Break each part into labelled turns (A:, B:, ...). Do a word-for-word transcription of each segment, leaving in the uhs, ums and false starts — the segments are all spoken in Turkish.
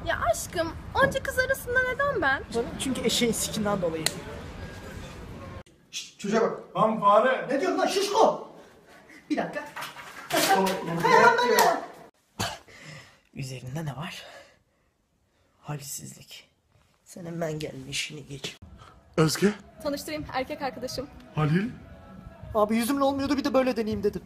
A: Ya aşkım, onca kız arasında neden ben?
B: Çünkü eşeğin sikinden dolayı.
C: Şşt, çocuğa bak.
D: Lan fare.
B: Ne diyorsun lan şişko? Bir dakika. Kayamam ben ya. Üzerinde ne var? Halsizlik. Sen hemen gelin işini geç.
D: Özge.
A: Tanıştırayım, erkek arkadaşım.
D: Halil.
B: Abi yüzümle olmuyordu, bir de böyle deneyeyim dedim.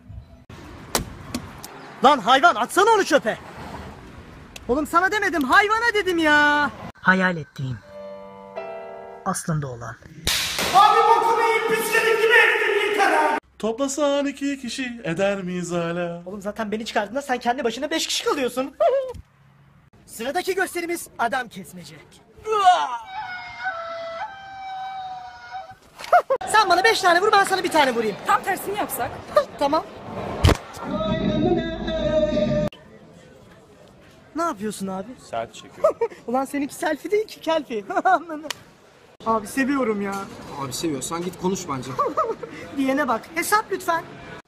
B: Lan hayvan, atsana onu çöpe. Oğlum sana demedim, hayvana dedim ya. Hayal ettiğim. Aslında olan.
D: Abi bokumu yiyip pisledik gibi ettin yeter abi. Toplasan iki kişi eder miyiz hala?
B: Oğlum zaten beni çıkardığında sen kendi başına beş kişi kalıyorsun. Sıradaki gösterimiz adam kesmece. Sen bana beş tane vur, ben sana bir tane vurayım.
A: Tam tersini yapsak?
B: Tamam. Ne yapıyorsun abi?
E: Selfie çekiyorum.
B: Ulan seninki selfie değil ki kelfi. Abi seviyorum ya.
C: Abi seviyorsan git konuş bence.
B: Diyene bak. Hesap lütfen.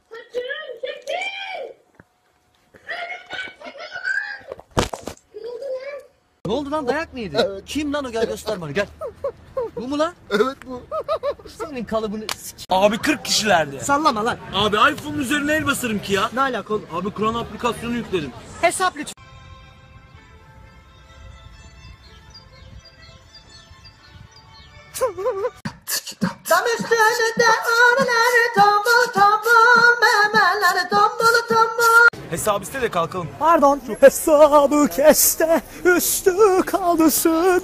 F: Ne oldu lan, dayak mı yedi? Evet. Kim lan o, gel göster bana, gel. Bu mu lan?
C: Evet bu.
F: Senin kalıbını s***.
E: Abi kırk kişilerdi.
B: Sallama lan.
E: Abi iPhone'un üzerine el basarım ki ya.
B: Ne alaka oğlum?
E: Abi Kur'an aplikasyonu yükledim.
B: Hesap lütfen. Tam üstünde ağrıları tombul tombul, memeleri tombul tombul.
E: Hesabı iste de kalkalım.
B: Pardon. Hesabı keste, üstü kalsın.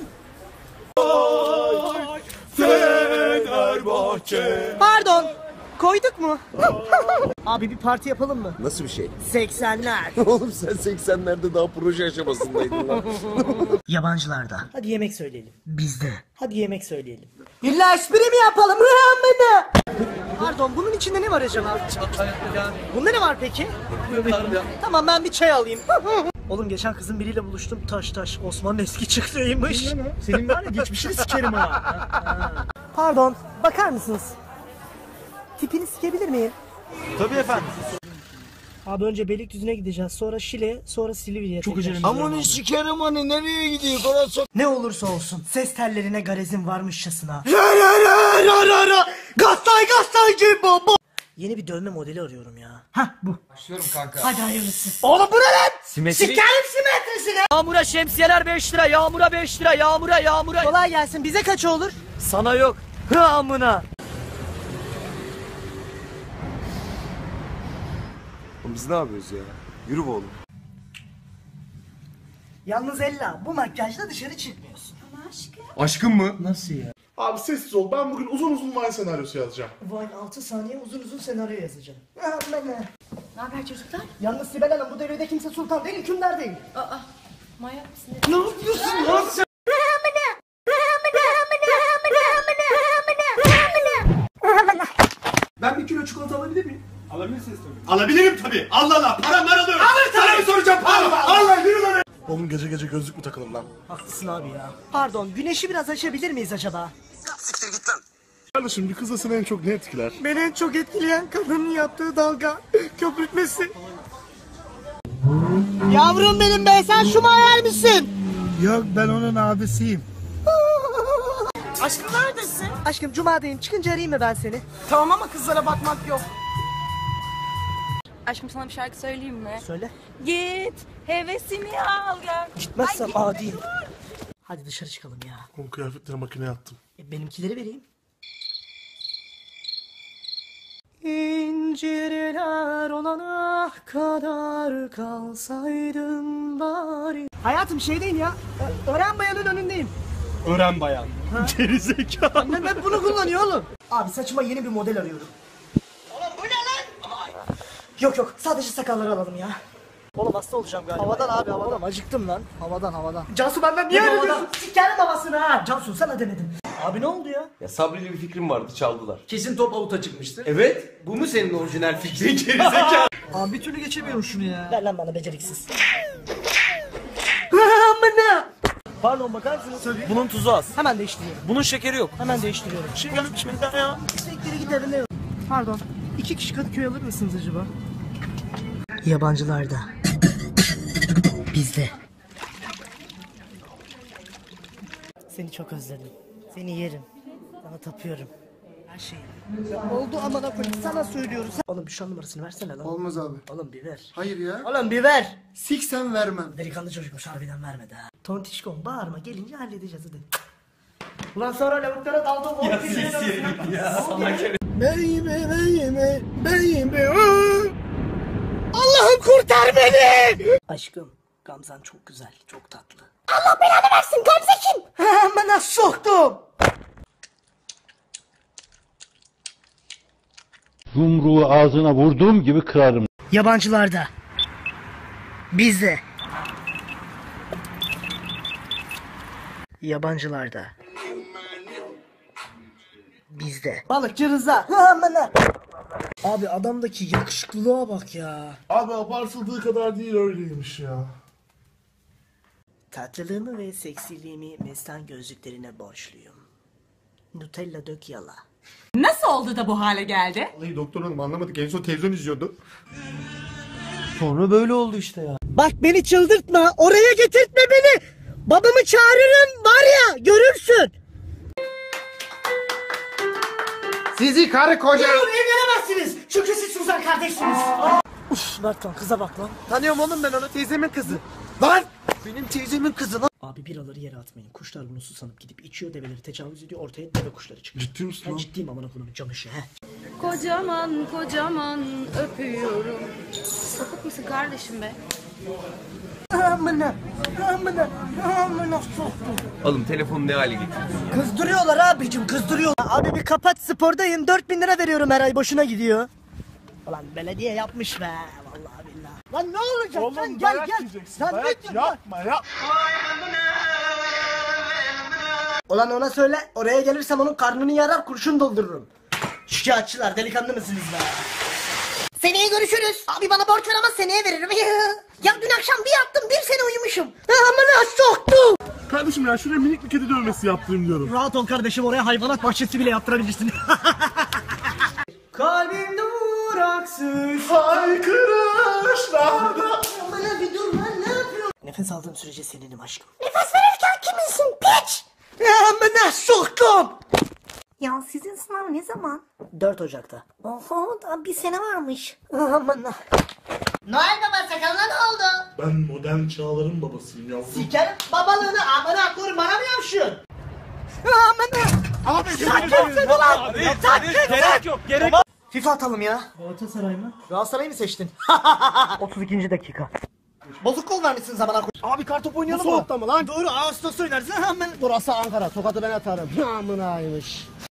E: Fenerbahçe.
B: Pardon. Koyduk mu? Abi bir parti yapalım mı?
C: Nasıl bir şey?
B: seksenler.
C: Oğlum sen seksenlerde daha proje aşamasındaydın lan.
B: Yabancılarda. Hadi yemek söyleyelim. Bizde. Hadi yemek söyleyelim. İlla espri mi yapalım? Pardon, bunun içinde ne var acaba? Bunda ne var peki? Tamam, ben bir çay alayım. Oğlum geçen kızın biriyle buluştum. Taş taş Osman'ın eski çıktığıymış. Senin var ya geçmişini sikerim ha. Pardon, bakar mısınız? Tipini sikebilir miyim?
E: Tabii efendim.
B: Abi önce Beylikdüzü'ne gideceğiz. Sonra Şile, sonra Silivri'ye.
E: Çok acelemiz
C: Aman ne sikerim hani, nereye gidiyor orası?
B: Ne olursa olsun ses tellerine garezin varmışçasına.
C: Gastay gastay baba.
B: Yeni bir dövme modeli arıyorum ya. Hah bu.
C: Başlıyorum kanka.
B: Hadi hayırlısı. Oğlum bu ne lan?
E: Simetri.
B: Sikerim simetrisine.
F: Yağmura şemsiyeler beş lira, yağmura beş lira, yağmura yağmura.
B: Kolay gelsin. Bize kaç olur?
F: Sana yok. Hı amına.
C: Biz ne yapıyoruz ya? Yürü be oğlum.
B: Yalnız Ella, bu makyajla dışarı çıkmıyorsun.
C: Aşkım mı?
B: Nasıl ya?
D: Abi sessiz ol. Ben bugün uzun uzun Vine senaryosu yazacağım.
B: Vay altı saniye uzun uzun senaryo yazacağım. Aman ha.
A: Ne haber çocuklar?
B: Yalnız Sibel Hanım, bu devirde kimse sultan değil, hükümdar değil.
A: Aa, manyak mısın?
B: Ne yapıyorsun lan sen?
C: Ben bir kilo çikolata alabilir miyim?
D: Alabilirsiniz tabii. Alabilirim tabii. Allah Allah. Param var alıyorum. Alır tabii. Sana mı soracağım? Allah Allah. Yürü lan. Oğlum gece gece gözlük mü takalım lan?
B: Haklısın abi ya. Pardon, güneşi biraz açabilir miyiz acaba?
C: Siktir git lan.
D: Kardeşim bir kızda seni en çok ne etkiler?
B: Beni en çok etkileyen kadının yaptığı dalga, köpürtmesi. Yavrum benim be, sen şu hayal misin?
D: Yok, ben onun abisiyim.
B: Aşkım neredesin? Aşkım cumadayım, çıkınca arayayım mı ben seni?
A: Tamam ama kızlara bakmak yok. Aşkım sana bir şarkı söyleyeyim mi?
B: Söyle.
A: Git hevesimi al gel.
B: Gitmezsem adiyim. Hadi dışarı çıkalım ya.
D: Oğlum kıyafetleri makineye attım.
B: E, benimkileri vereyim. İncirler olana kadar kalsaydım bari. Hayatım şeydeyim ya. Ö- Ören Bayan'ın önündeyim.
D: Öğren bayan. Gerizekalı.
B: Annem hep bunu kullanıyor oğlum. Abi saçıma yeni bir model arıyorum. Oğlum bu ne lan? Yok yok, sadece sakalları alalım ya. Oğlum hasta olacağım galiba. Havadan abi havadan. Oğlum acıktım lan. Havadan havadan. Cansu benden niye öyle diyorsun? Sikerim havasını ha. Cansu sana demedim. Abi ne oldu ya?
G: Ya Sabri'yle bir fikrim vardı, çaldılar.
C: Kesin top avuta çıkmıştır.
G: Evet, bu mu senin orijinal fikrin gerizekalı?
B: Abi bir türlü geçemiyorum şunu ya. Ver lan bana beceriksiz. Amına. Pardon bakar mısınız?
E: Bunun tuzu az.
B: Hemen değiştiriyorum.
E: Bunun şekeri yok.
B: Hemen değiştiriyorum.
E: Şey gelmiş benden ya.
B: Sektere git evine. Pardon. İki kişi Kadıköy alır mısınız acaba? Yabancılarda. Bizde. Seni çok özledim. Seni yerim. Sana tapıyorum. Her şeyim. Oldu amına koyayım sana söylüyoruz. Oğlum bir şu an numarasını versene lan.
H: Olmaz abi.
B: Oğlum bir ver.
H: Hayır ya.
B: Oğlum bir ver.
H: Siksen vermem.
B: Delikanlı çocukmuş harbiden vermedi ha. Tontişkom bağırma gelince halledeceğiz hadi. Ulan sonra lavuklara daldım. Ya siktir ya.
H: Baby baby baby. Allah'ım kurtar beni.
B: Aşkım Gamzan çok güzel çok tatlı. Allah belanı versin Gamze kim? Amına soktum.
I: Yumruğu ağzına vurduğum gibi kırarım.
B: Yabancılarda. Bizde. Yabancılarda. Bizde. Balıkçı Rıza. Amına. Abi adamdaki yakışıklılığa bak ya.
D: Abi abartıldığı kadar değil öyleymiş ya.
B: Tatlılığımı ve seksiliğimi mestan gözlüklerine borçluyum. Nutella dök yala.
A: Nasıl oldu da bu hale geldi?
D: Vallahi doktor hanım anlamadık. En son televizyon izliyordu.
F: Sonra böyle oldu işte ya.
B: Bak beni çıldırtma, oraya getirtme beni. Babamı çağırırım var ya, görürsün.
H: Sizi karı koca.
B: Evlenemezsiniz çünkü siz Suzan kardeşsiniz. Uf Mert lan kıza bak lan.
F: Tanıyorum oğlum ben onu, teyzemin kızı. Lan! Benim teyzemin kızı lan.
B: Abi biraları yere atmayın. Kuşlar bunu susanıp gidip içiyor, develeri tecavüz ediyor, ortaya deve kuşları çıkıyor.
D: Ciddi misin
B: Ben
D: lan?
B: ciddiyim amına koyayım camışı he.
A: Kocaman kocaman öpüyorum. Sapık mısın kardeşim be?
B: Amına, amına, amına soktum.
G: Oğlum telefonu ne hale getirdin?
B: Kızdırıyorlar abicim kızdırıyorlar. Abi bir kapat spordayım dört bin lira veriyorum her ay boşuna gidiyor. Ulan belediye yapmış be vallahi billahi. Lan ne olacak
D: Oğlum
B: lan gel
D: dayak
B: gel.
D: yiyeceksin.
B: Sen
D: Dayak
B: lütfen lan.
D: yapma yapma.
B: Ulan ona söyle oraya gelirsem onun karnını yarar kurşun doldururum. Şikayetçiler delikanlı mısınız be? Seneye görüşürüz. Abi bana borç ver ama seneye veririm. Ya dün akşam bir yattım bir sene uyumuşum. Amına soktum.
D: Kardeşim ya şuraya minik bir kedi dövmesi yaptırayım diyorum.
B: Rahat ol kardeşim oraya hayvanat bahçesi bile yaptırabilirsin. Kalbim duraksız.
D: Haykırışlarda.
B: Bana bir dur lan ne yapıyorsun? Nefes aldığım sürece seninim aşkım. Nefes verirken kiminsin piç? Amına soktum. Ya sizin sınav ne zaman? dört Ocak'ta. Oho daha bir sene varmış. Amına. Noel Baba sakalına ne oldu?
D: Ben modern çağların babasıyım yavrum.
B: Sikerim babalığını amına koyayım bana mı yapşıyorsun? Amına.
D: Abi
B: Sakınsın ulan.
E: Gerek yok gerek.
B: FIFA atalım ya. Galatasaray mı? Galatasaray mı seçtin? otuz ikinci dakika. Bozuk kol vermişsin zamana koy.
H: Abi kartop oynayalım
B: Bu
H: mı?
B: soğukta mı lan? Doğru Ağustos oynarsın hemen.
H: Burası Ankara. Tokat'ı ben atarım. Amınaymış.